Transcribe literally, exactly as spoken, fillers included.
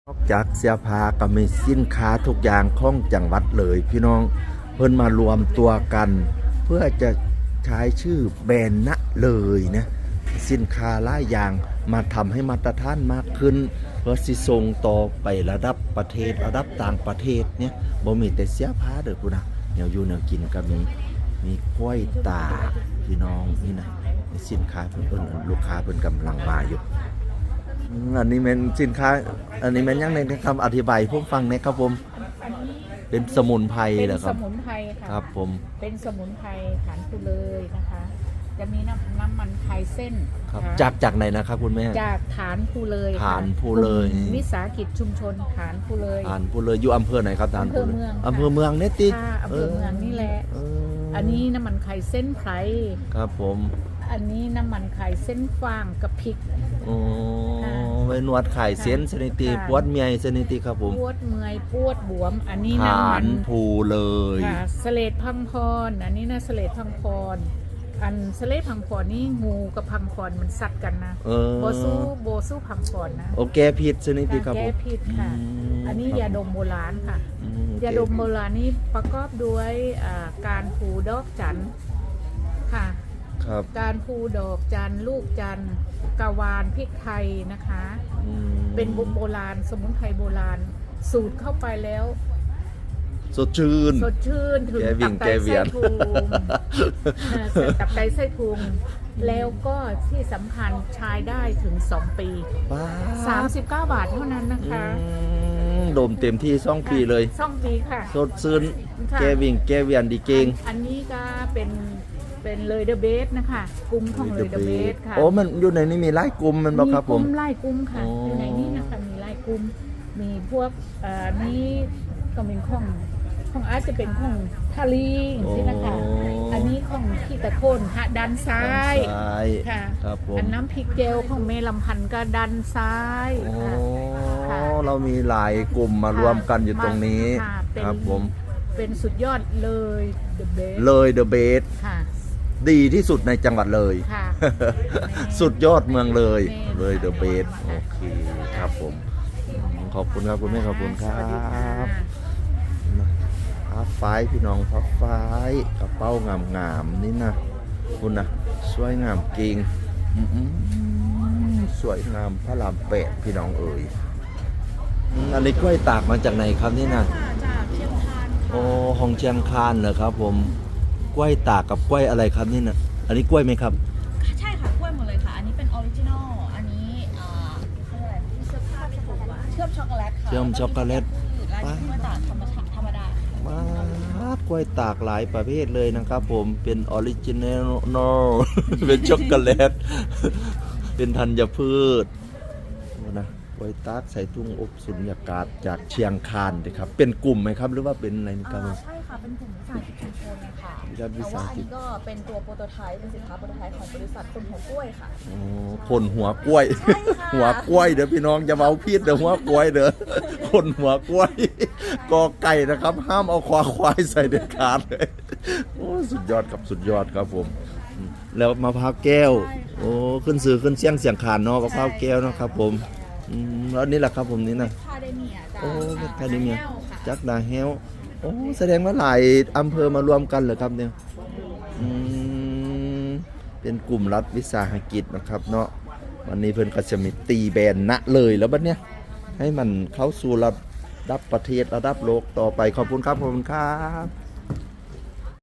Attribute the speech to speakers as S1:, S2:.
S1: นอกจากเสื้อผ้าก็มีสินค้าทุกอย่างของจังหวัดเลยพี่น้องเพิ่นมารวมตัวกัน เพื่อจะใช้ชื่อแบรนด์นะเลยนะสินค้าหลายอย่างมาทำให้มาตรฐานมากขึ้น เพื่อสิส่งต่อไประดับประเทศระดับต่างประเทศเนี่ยบ่มีแต่เสื้อผ้าเด้อพุ่นนะแนวอยู่แนวกินก็มีมีกล้วยตากพี่น้องนี่นะสินค้าเพิ่นเอิ้นลูกค้าเพิ่นกำลังมาอยู่อืมอันนี้เป็นสินค้าอันนี้เป็นยังไงนะครับอธิบายผมฟังหนะครับผมเป็นสมุนไพร
S2: เป็น
S1: เหรอค
S2: ส
S1: รับ
S2: มุนไพรค่ะ
S1: ครับผม
S2: เป็นสมุนไพรฐานคูเลยนะคะ จะมีน้ำน้ำมันไพรเส้น
S1: ครับ
S2: ค่ะ
S1: จากจากไหนนะครับคุณแม่
S2: จากฐานคูเลยค่ะ
S1: ฐานภูเลย
S2: กลุ่มวิสาหกิจชุมชนฐานคูเลย
S1: ฐานพูเลยอยู่อำเภอไหนครับฐานพูเลย
S2: อำเภอเมือง
S1: อำเภอเมืองเนี่ยติ
S2: ค่ะอำเภอเมืองนี่แหละ
S1: เออ
S2: อันนี้น้ำมันไข่เส้นไพร
S1: ครับผม
S2: อันนี้น้ำมันไข่เส้นฟางกับพริก
S1: โอ้
S2: ค่ะ
S1: ไว้นวดไข่เส้นสนิติ
S2: ค่ะ
S1: ปวดเมียสนิติครับผม
S2: ปวดเมื่อยปวดบวม อันนี้
S1: ฐา
S2: น้ำมัน น
S1: ภูเลย
S2: ค่ะสเลดพังพร อันนี้นะสเลดพังพร อันสเลดพังพรนี่งูกับพังพรมันสัตว์กันนะ
S1: เออ
S2: โบสู้โบสู้พังพรนะ
S1: โอเคผิดสนิติครับผ
S2: แก้
S1: ม
S2: พิษค่ะ
S1: ม
S2: อันนี้
S1: ครับ
S2: ยาดมโบราณค่ะ
S1: อืมโอเค
S2: ยาดมโบราณนี้ประกอบด้วยอ่าการผูดอกจันทร์ค่ะ
S1: ครับ
S2: การผูดอกจันทร์ลูกจันทร์กะวานพริกไทยนะคะ
S1: อืม
S2: เป็นบุโบราณ สมุนไพรโบราณ สูตรเข้าไปแล้ว
S1: สดชื่น
S2: สดชื่นถึง
S1: แก้วิ่
S2: ตั
S1: ง
S2: บไต
S1: แก้เวี
S2: ไส้
S1: ยน
S2: พุงเอ่อตับไตไส้พุงแล้วก็ที่สำคัญใช้ได้ถึง สอง ปี
S1: บ้า
S2: สามสิบเก้า บาทเท่านั้นนะคะ
S1: อืมดมเต็มที่สองปีเลย
S2: สองปีค่ะ
S1: สดชื่น
S2: ค่ะ
S1: แก้วิ่งแก้เวียนดีเก่ง
S2: อันนี้ก็เป็นเป็นเลยเดอะเบสนะคะกลุ่มของเลยเดอะเบสค่ะ
S1: โอ้มันอยู่ในนี้มีไล่กลุ่มมันบอกครับผม
S2: กลุ่มไล่กลุ่มค่ะ
S1: อ๋อ
S2: อ
S1: อ
S2: ยู่ในนี้นะคะมีไล่กลุ่มมีพวกเอ่อนี้ก็เป็นของของอาจจะเป็นของทาลีอย่างนี้นะคะ อันนี้ของขี้ตะโคนฮะด้านซ้าย
S1: ซ้าย
S2: ค่ะ
S1: ครับผม
S2: อันน้ำพริกเจลของเมลำพันธ์ก็ด้านซ้าย
S1: โอ้
S2: ค่ะ ค่ะ
S1: เรามีหลายกลุ่มมารวมกันอยู่ตรงนี้
S2: ค่ะเป็น
S1: ครับผม
S2: เป็นสุดยอดเลยเดอะเบส
S1: เลยเดอะเบส
S2: ค่ะ
S1: ดีที่สุดในจังหวัดเลย
S2: ค่ะ
S1: สุดยอดเมืองเลย
S2: แม่
S1: เลยเดอะเบส
S2: ค่ะ
S1: โอเคครับผมอืมขอบคุณครับคุณแม่ขอบคุณครั
S2: สวัสดีค่ะ
S1: บผ้าฝ้ายพี่น้องผ้าฝ้ายกระเป๋างามๆนี่นะคุณนะสวยงามเก่งอื้อหือสวยงามพระรามแปดพี่น้องเอ๋ยอืมอันนี้กล้วยตากมาจากไหนครับนี่นะ
S3: จากเชียงคาน
S1: โอ้ของเชียงคานเหรอครับผมกล้วยตากกับกล้วยอะไรครับนี่นะอันนี้กล้วยไหมครับ
S3: ใช่ค่ะกล้วยหมดเลยค่ะ อันนี้เป็นออริจินอล อันนี้อ่าเขาเรียกอะไรที่เชื่อมผ้าไม่ถูกว่าเชื่อมช็อกโกแลตค่ะ
S1: เชื่อมช็อกโกแลต
S3: แล้วก็มีพืชและกล้วยตากธรรมชาติธรรมดาค่ะ
S1: มากล้วยตากหลายประเภทเลยนะครับผมเป็นออริจินอล เป็นช็อกโกแลต เป็นธัญพืชนะกล้วยตากใส่ทุ่งอบสุญญากาศจากเชียงคานนะครับเป็นกลุ่มไหมครับหรือว่าเป็นอะไรนี่ครับ
S3: อ่าใช่ค่ะ เป็นกลุ่มวิสาหกิจชุมชนค่ะ
S1: วิสาหกิจ
S3: แต่ว่าอันนี้ก็เป็นตัวโปรโตไทป์เป็นสินค้าโปรโตไทป์ของบริษัทคนหัวกล้วยค่ะ
S1: อ๋อคนหัวกล้วย
S3: ใช่ค่ะ
S1: หัวกล้วยเดี๋ยวพี่น้องจะเมาพิษเดี๋ยวหัวกล้วยเด้อ คนหัวกล้วย กอไก่นะครับ ห้ามเอาควาควายใส่เด็ดขาดเลยโอ้สุดยอดครับสุดยอดครับผมอืมแล้วมะพร้าวแก้ว โอ้ขึ้นสื่อขึ้นเสียงเสียงขานเนาะมะพร้าวแก้วเนาะครับผมอืมแล้วนี่แหละครับผมนี่นะ
S3: คาเดเมียจาก
S1: โอ้เม็ดคาเดเมีย
S3: แก้วค่ะ
S1: จักดาเฮลโอ้แสดงว่าหลายอำเภอมารวมกันเหรอครับเนี่ยอืมเป็นกลุ่มรัฐวิสาหกิจนะครับเนาะวันนี้เพิ่นก็จะมีตีแบนนะเลยแล้วบัดเนี้ยให้มันเข้าสู่ระดับประเทศระดับโลกต่อไปขอบคุณครับขอบคุณครับ